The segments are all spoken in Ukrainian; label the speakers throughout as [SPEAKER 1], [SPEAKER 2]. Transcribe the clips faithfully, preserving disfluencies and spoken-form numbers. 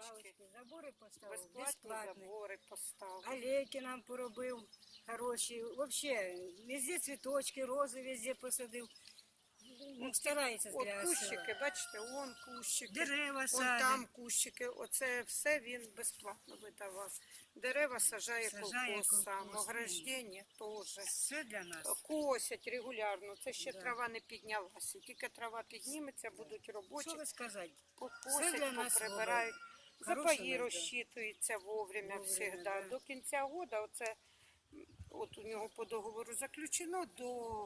[SPEAKER 1] лавочки, забори поставив,
[SPEAKER 2] безплатні
[SPEAKER 1] безплатні.
[SPEAKER 2] забори поставив.
[SPEAKER 1] Алейки нам поробив хороші. Взагалі, везде цвіточки, рози везде посадив. Ну, старається
[SPEAKER 2] От
[SPEAKER 1] для
[SPEAKER 2] кущики,
[SPEAKER 1] села.
[SPEAKER 2] бачите, вон кущики,
[SPEAKER 1] Дерева
[SPEAKER 2] вон
[SPEAKER 1] садить.
[SPEAKER 2] там кущики. Оце все він безплатно видавав. Дерева сажає,
[SPEAKER 1] Сажає
[SPEAKER 2] колхоз сам,
[SPEAKER 1] колхоз,
[SPEAKER 2] ограждення теж.
[SPEAKER 1] Все для нас.
[SPEAKER 2] Косять регулярно, це ще
[SPEAKER 1] Да.
[SPEAKER 2] трава не піднялася. Тільки трава підніметься, будуть робочі,
[SPEAKER 1] Що ви сказати? Все
[SPEAKER 2] покосять,
[SPEAKER 1] для нас
[SPEAKER 2] поприбирають.
[SPEAKER 1] Хороше
[SPEAKER 2] Запаї
[SPEAKER 1] нас, да.
[SPEAKER 2] розчитуються вовремя,
[SPEAKER 1] Вовремя,
[SPEAKER 2] завжди.
[SPEAKER 1] да.
[SPEAKER 2] До кінця року, оце, м, от у нього по договору заключено до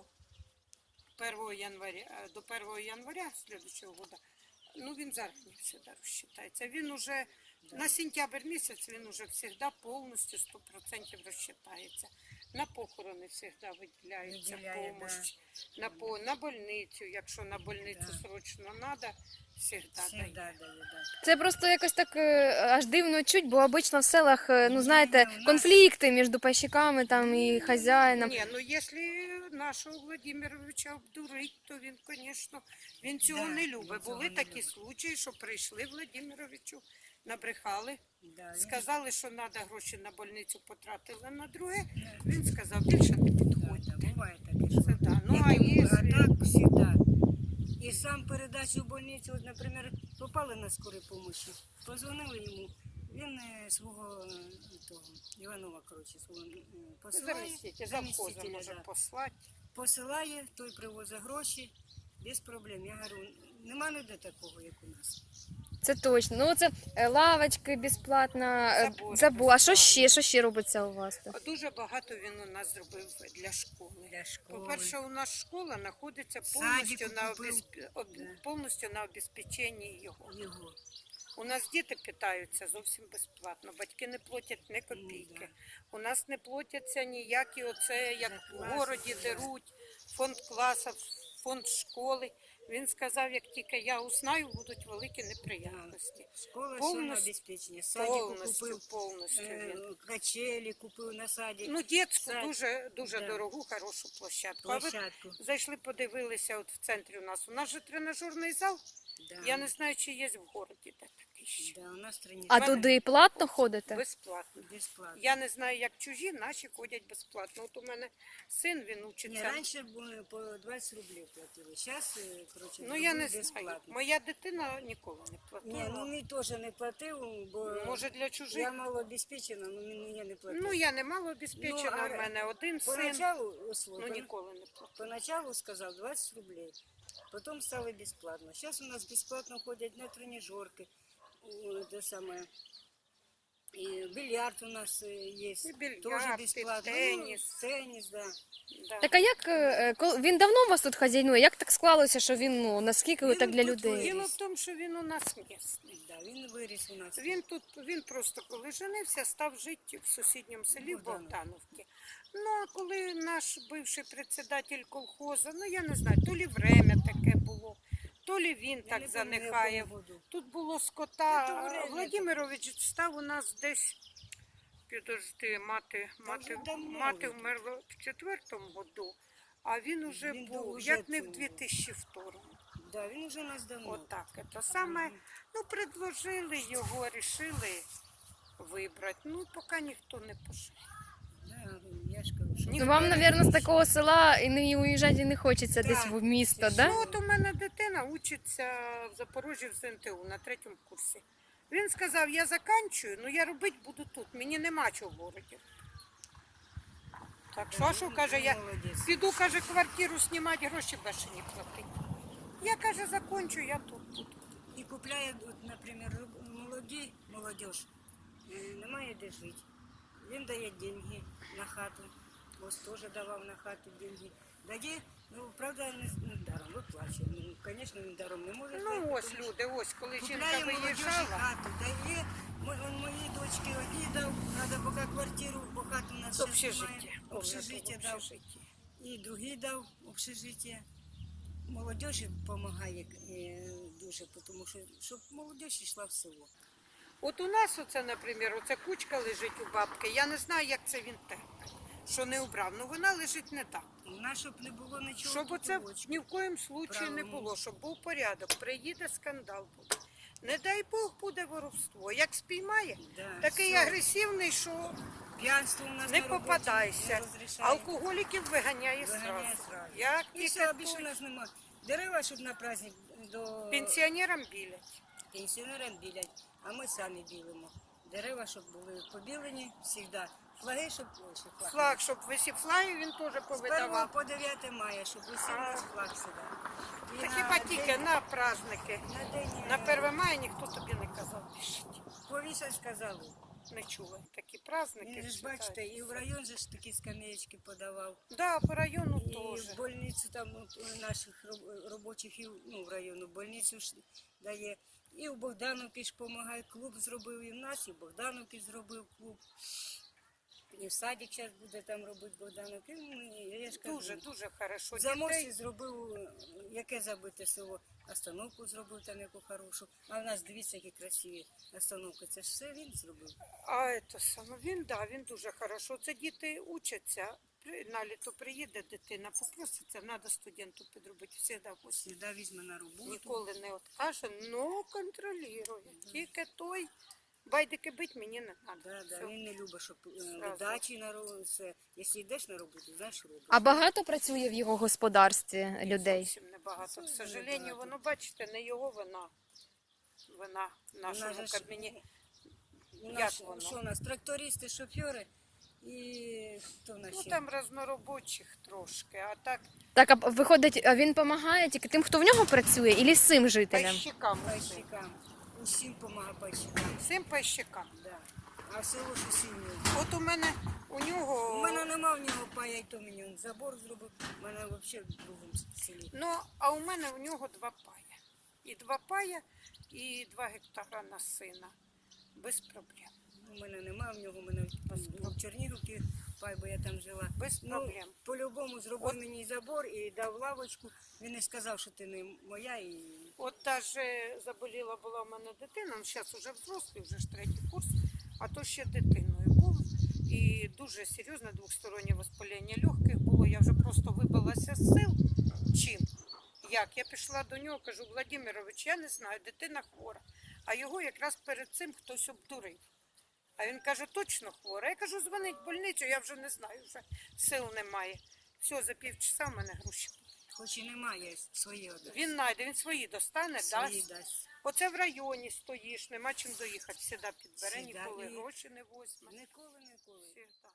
[SPEAKER 2] першого января, до першого января слідчого року. Ну, він зарані завжди розчитається. Він уже на сентябрь місяць він уже завжди повністю сто відсотків розчитається. На похорони завжди виділяється
[SPEAKER 1] Виділяє,
[SPEAKER 2] допомога. На, по, на больницю, якщо на больницю срочно треба, завжди
[SPEAKER 1] Всегда
[SPEAKER 2] дає.
[SPEAKER 1] дає, да.
[SPEAKER 3] Це просто якось так е, аж дивно чуть, бо обично в селах, е, ну знаєте,
[SPEAKER 1] Ні, у нас-
[SPEAKER 3] конфлікти між пайщиками там і хазяїном.
[SPEAKER 2] Ні, ну якщо нашого Владимировича обдурить, то він, звісно, він цього
[SPEAKER 1] Да,
[SPEAKER 2] не
[SPEAKER 1] він
[SPEAKER 2] любить.
[SPEAKER 1] цього
[SPEAKER 2] Були
[SPEAKER 1] не
[SPEAKER 2] такі
[SPEAKER 1] любить.
[SPEAKER 2] случаї, що прийшли Владимировичу, набрехали,
[SPEAKER 1] Да, він-
[SPEAKER 2] сказали, що треба гроші на больницю потратили на друге. Він сказав, більше не підходьте.
[SPEAKER 1] Да, буває таке, що
[SPEAKER 2] Це да. Ну, а
[SPEAKER 1] а
[SPEAKER 2] якщо...
[SPEAKER 1] так всегда. І сам передачу в больницю, от, наприклад, попали на скорій помощі, позвонили йому, він е, свого е, того, Іванова, коротше, свого е, посилає,
[SPEAKER 2] Заміститель, завхоза
[SPEAKER 1] замістителя,
[SPEAKER 2] може
[SPEAKER 1] да.
[SPEAKER 2] послати.
[SPEAKER 1] посилає, той привозить гроші, без проблем. Я говорю, нема ніде такого, як у нас.
[SPEAKER 3] Це точно. Ну це е, лавочки безплатно, е,
[SPEAKER 2] Забори
[SPEAKER 3] забу. А що
[SPEAKER 2] безплатно.
[SPEAKER 3] ще? Що ще робиться у вас тут?
[SPEAKER 2] Дуже багато він у нас зробив для школи.
[SPEAKER 1] Для школи.
[SPEAKER 2] По-перше, у нас школа знаходиться
[SPEAKER 1] Садику
[SPEAKER 2] повністю на,
[SPEAKER 1] купив.
[SPEAKER 2] обезп... об-
[SPEAKER 1] Да.
[SPEAKER 2] повністю на обезпеченні його.
[SPEAKER 1] Його.
[SPEAKER 2] У нас діти питаються зовсім безплатно, батьки не платять ні копійки.
[SPEAKER 1] да.
[SPEAKER 2] У нас не платяться ніякі оце, як
[SPEAKER 1] За
[SPEAKER 2] в
[SPEAKER 1] класи,
[SPEAKER 2] городі
[SPEAKER 1] да.
[SPEAKER 2] деруть, фонд класу, фонд школи. Він сказав, як тільки я узнаю, будуть великі неприємності.
[SPEAKER 1] Школа все на
[SPEAKER 2] Повністю-
[SPEAKER 1] обезпечення. Садику
[SPEAKER 2] Повністю,
[SPEAKER 1] купив,
[SPEAKER 2] повністю
[SPEAKER 1] е,
[SPEAKER 2] він.
[SPEAKER 1] качелі купив на садик.
[SPEAKER 2] Ну, дітську
[SPEAKER 1] сад-
[SPEAKER 2] дуже, дуже
[SPEAKER 1] да.
[SPEAKER 2] дорогу, хорошу площадку. А ви
[SPEAKER 1] Площадку.
[SPEAKER 2] зайшли, подивилися от в центрі у нас. У нас же тренажерний зал.
[SPEAKER 1] Да.
[SPEAKER 2] Я не знаю, чи є в городі де такий ще.
[SPEAKER 1] Да, у нас тренажер.
[SPEAKER 3] А туди платно ходите?
[SPEAKER 2] Безплатно.
[SPEAKER 1] Безплатно.
[SPEAKER 2] Я не знаю, як чужі, наші ходять безплатно. От у мене син, він
[SPEAKER 1] Ні,
[SPEAKER 2] учиться.
[SPEAKER 1] раніше були по двадцять рублів платили. Зараз, коротше,
[SPEAKER 2] Ну, я не
[SPEAKER 1] зробили
[SPEAKER 2] знаю.
[SPEAKER 1] безплатно.
[SPEAKER 2] Моя дитина ніколи не
[SPEAKER 1] Ні,
[SPEAKER 2] платила.
[SPEAKER 1] ну мені теж не платив, бо
[SPEAKER 2] Може, для чужих?
[SPEAKER 1] я малообезпечена, але мені не платив.
[SPEAKER 2] Ну, я не мало обезпечена,
[SPEAKER 1] Ну, а
[SPEAKER 2] в мене один син,
[SPEAKER 1] Поначалу, услуга,
[SPEAKER 2] ну ніколи не платила.
[SPEAKER 1] поначалу сказав двадцять рублей, потім стало безплатно. Зараз у нас безплатно ходять на тренажерки, о, те саме. І бильярд у нас е, є,
[SPEAKER 2] І бильярд,
[SPEAKER 1] теж
[SPEAKER 2] і
[SPEAKER 1] безплатно.
[SPEAKER 2] теніс.
[SPEAKER 1] Ну, теніс, да.
[SPEAKER 2] Да.
[SPEAKER 3] Так а як е, кол- він давно у вас тут хазяйнує? Як так склалося, що він ну наскільки
[SPEAKER 1] Він
[SPEAKER 3] так для
[SPEAKER 1] тут
[SPEAKER 3] людей?
[SPEAKER 2] Діло в тому, що він у нас місний.
[SPEAKER 1] Да, він виріс у нас.
[SPEAKER 2] Він тут, він просто коли женився, став жити в сусідньому селі в
[SPEAKER 1] Богдановці.
[SPEAKER 2] Богдановці. Ну, а коли наш бивший председатель колхозу, ну я не знаю, то лі время таке було, то лі він
[SPEAKER 1] Я
[SPEAKER 2] так
[SPEAKER 1] не
[SPEAKER 2] занихає.
[SPEAKER 1] пам'ятаю, в якому году.
[SPEAKER 2] Тут було
[SPEAKER 1] Та то
[SPEAKER 2] скота.
[SPEAKER 1] время
[SPEAKER 2] Владимирович став у нас десь, підожди, мати, мати,
[SPEAKER 1] вже давно
[SPEAKER 2] мати
[SPEAKER 1] він тут.
[SPEAKER 2] вмерла в четвертому году, а він уже
[SPEAKER 1] Він
[SPEAKER 2] був,
[SPEAKER 1] уже
[SPEAKER 2] як не в
[SPEAKER 1] цього.
[SPEAKER 2] дві тисячі другому.
[SPEAKER 1] Да, він вже у нас давно.
[SPEAKER 2] Отак. Це саме, ну, предложили його, рішили вибрати. Ну, поки ніхто не пішов.
[SPEAKER 1] Да, я ж кажу, що...
[SPEAKER 2] Ні.
[SPEAKER 3] Ну вам, мабуть, з такого села і не уїжджати не хочеться
[SPEAKER 1] Да.
[SPEAKER 3] десь в місто,
[SPEAKER 1] Ну,
[SPEAKER 3] да?
[SPEAKER 2] Ну, от у мене дитина учиться в Запорожжі в зе ен те у на третьому курсі. Він сказав, я заканчую, ну я робити буду тут, мені нема чого в городі. Так що, а що, каже, я
[SPEAKER 1] Молодець.
[SPEAKER 2] піду, каже, квартиру знімати, гроші більше не платити. Я, каже, закончу, я тут буду.
[SPEAKER 1] І купляє, от, наприклад, молоді, молодіж, е, немає де жити. Він дає деньги на хату. Ось теж давав на хату деньги. Дає, ну, правда, не, не даром, виплачує. Ну, звісно, він даром не може дати,
[SPEAKER 2] Ну, ось
[SPEAKER 1] тому що
[SPEAKER 2] люди, ось, коли жінка
[SPEAKER 1] купляє молодіжі
[SPEAKER 2] виїжджала.
[SPEAKER 1] хату, дає. Мо- он моїй дочці одній дав, треба поки квартиру, бо хату у нас ще
[SPEAKER 2] Общежиття.
[SPEAKER 1] немає.
[SPEAKER 2] Общежиття
[SPEAKER 1] Общежиття дав.
[SPEAKER 2] общежиття.
[SPEAKER 1] І другий дав общежиття. Молодежі допомагає е, дуже, тому що щоб молодіж йшла в село.
[SPEAKER 2] От у нас оце, наприклад, оця кучка лежить у бабки. Я не знаю, як це він терпить, що не убрав. Ну вона лежить не так.
[SPEAKER 1] У нас, щоб не було нічого.
[SPEAKER 2] Щоб оце
[SPEAKER 1] куточку.
[SPEAKER 2] ні в коєму случаї не
[SPEAKER 1] Правильно.
[SPEAKER 2] було, щоб був порядок. Приїде скандал буде. Не дай Бог буде воровство. Як спіймає,
[SPEAKER 1] Да,
[SPEAKER 2] такий
[SPEAKER 1] все.
[SPEAKER 2] агресивний, що
[SPEAKER 1] П'янство у нас
[SPEAKER 2] не
[SPEAKER 1] на роботі
[SPEAKER 2] попадайся.
[SPEAKER 1] не розрішає.
[SPEAKER 2] Алкоголіків виганяє
[SPEAKER 1] Виганяє
[SPEAKER 2] сразу.
[SPEAKER 1] зразу.
[SPEAKER 2] Як
[SPEAKER 1] І
[SPEAKER 2] тільки
[SPEAKER 1] все, більше у
[SPEAKER 2] той
[SPEAKER 1] нас немає. Дерева, щоб на праздник до
[SPEAKER 2] пенсіонерам білять.
[SPEAKER 1] пенсіонерам білять, а ми самі білимо. Дерева, щоб були побілені завжди. Флаги, щоб ой, ще флаг.
[SPEAKER 2] Флаг, щоб висів флаги, він теж
[SPEAKER 1] З першого
[SPEAKER 2] повидавав.
[SPEAKER 1] по дев'яте мая, щоб висів у нас флаг сюди. І
[SPEAKER 2] Та
[SPEAKER 1] на
[SPEAKER 2] хіба тільки
[SPEAKER 1] день-
[SPEAKER 2] на праздники.
[SPEAKER 1] на день
[SPEAKER 2] На
[SPEAKER 1] е,
[SPEAKER 2] перше мая ніхто тобі не казав пишіть.
[SPEAKER 1] повісять, сказали.
[SPEAKER 2] Не чула. Такі праздники.
[SPEAKER 1] Він же ж,
[SPEAKER 2] вважаються.
[SPEAKER 1] бачите, і в район же ж такі скамеечки подавав.
[SPEAKER 2] Да, по району
[SPEAKER 1] І
[SPEAKER 2] теж.
[SPEAKER 1] в больницю там от, у наших роб- робочих, і в- ну, в району больницю ж дає. І в Богдановці ж допомагає, клуб зробив, і в нас, і в Богдановці зробив клуб. І в садик зараз буде там робити Богдановки. Ну, я ж кажу,
[SPEAKER 2] Дуже, дуже хорошо.
[SPEAKER 1] в Заморській
[SPEAKER 2] Дітей
[SPEAKER 1] зробив, е, яке забите село, остановку зробив там яку хорошу. А в нас, дивіться, які красиві остановки. Це ж все він зробив.
[SPEAKER 2] А це саме він, да, він дуже хорошо. Це діти учаться. При- На літо приїде дитина, попроситься, треба студенту підробити. Всегда ось.
[SPEAKER 1] Сюди візьме на роботу.
[SPEAKER 2] Ніколи не откаже, но контролює. Тільки той байдики бить мені не треба.
[SPEAKER 1] Да, да. Він не любить, щоб е,
[SPEAKER 2] Зразу.
[SPEAKER 1] удачі на роботу. Це, якщо йдеш на роботу, знаєш, робиш.
[SPEAKER 3] А багато працює в його господарстві людей?
[SPEAKER 2] Зовсім небагато. К
[SPEAKER 1] Зовсім
[SPEAKER 2] сожалению,
[SPEAKER 1] небагато.
[SPEAKER 2] воно, бачите, не його вина. Вина в
[SPEAKER 1] У
[SPEAKER 2] нашому
[SPEAKER 1] нас же ж-
[SPEAKER 2] кабінеті.
[SPEAKER 1] У
[SPEAKER 2] Як
[SPEAKER 1] нас,
[SPEAKER 2] воно?
[SPEAKER 1] що у нас, трактористи, шофери і хто в нас
[SPEAKER 2] Ну
[SPEAKER 1] ще?
[SPEAKER 2] там разноробочих трошки, а так
[SPEAKER 3] Так, а виходить, а він допомагає тільки тим, хто в нього працює, і всім жителям?
[SPEAKER 2] пайщикам.
[SPEAKER 1] Пайщикам. Усім допомагає пайщикам.
[SPEAKER 2] Всім пайщикам.
[SPEAKER 1] Да. А в село ж усім ні.
[SPEAKER 2] От у мене у нього.
[SPEAKER 1] У мене нема в нього пая, і то мені він забор зробив. У мене взагалі в другому селі.
[SPEAKER 2] Ну, а у мене у нього два пая. І два пая, і два гектара на сина. Без проблем.
[SPEAKER 1] У мене нема в нього, у мене там в Чернігівці пай, бо я там жила.
[SPEAKER 2] Без
[SPEAKER 1] Ну,
[SPEAKER 2] проблем.
[SPEAKER 1] по-любому зробив
[SPEAKER 2] От-
[SPEAKER 1] мені забор і дав лавочку. Він не сказав, що ти не моя. І...
[SPEAKER 2] От даже заболіла була в мене дитина, ну зараз вже взрослий, вже ж третій курс, а то ще дитиною був. І дуже серйозне двостороннє воспалення легких було. Я вже просто вибилася з сил. Чим? Як? Я пішла до нього, кажу, Владимирович, я не знаю, дитина хвора. А його якраз перед цим хтось обдурив. А він каже, точно хвора. Я кажу, дзвонить в больницю, я вже не знаю, вже сил немає. Все, за півчаса в мене гроші.
[SPEAKER 1] Хоч і немає своє одне.
[SPEAKER 2] Він знайде, він свої достане,
[SPEAKER 1] Свої
[SPEAKER 2] дасть.
[SPEAKER 1] дасть.
[SPEAKER 2] Оце в районі стоїш, нема чим доїхати. Всегда підбере,
[SPEAKER 1] Всегда.
[SPEAKER 2] ніколи
[SPEAKER 1] І-
[SPEAKER 2] гроші не возьме.
[SPEAKER 1] Ніколи, ніколи.
[SPEAKER 2] Всегда.